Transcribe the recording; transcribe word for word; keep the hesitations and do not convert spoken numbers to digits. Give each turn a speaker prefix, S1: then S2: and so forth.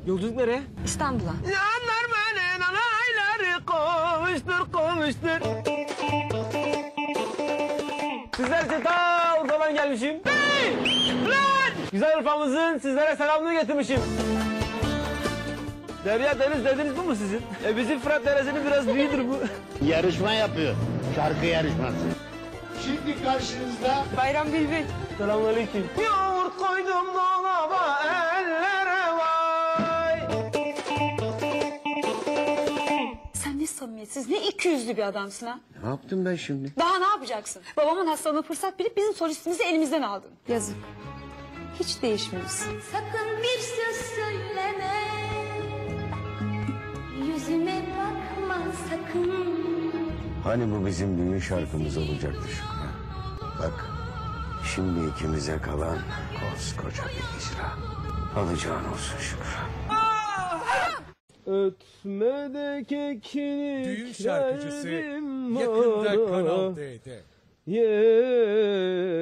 S1: Yolculuk nereye?
S2: İstanbul'a.
S1: Yanlar beni nanayları kovuştur kovuştur. Sizler için ta Urfa'dan gelmişim. Hey! Lan! Güzel Urfa'mızın sizlere selamını getirmişim. Derya Deniz dediniz bu mu sizin? E bizim Fırat Deresi'nin biraz büyüdür bu.
S3: Yarışma yapıyor. Şarkı yarışması. Şimdi karşınızda
S2: Bayram Bülbül.
S1: Selamünaleyküm. Yoğurt koydum dolaba ellere vay.
S2: Sen ne samimiyetsiz, ne ikiyüzlü bir adamsın ha.
S3: ne yaptım ben şimdi?
S2: Daha ne yapacaksın? Babamın hastalığına fırsat bilip bizim solistimizi elimizden aldın. Yazık. Hiç değişmiyorsun.
S4: Sakın bir söz söyleme, yüzüme bakma sakın.
S3: Hani bu bizim düğün şarkımız olacaktı Şükran. Bak şimdi ikimize kalan koskoca bir icra. Alacağın olsun Şükran.
S1: Ötme de kekini
S5: Düğün şarkıcısı
S1: verdim
S5: yakında
S1: bana.
S5: Kanal D'de.
S1: Yeah.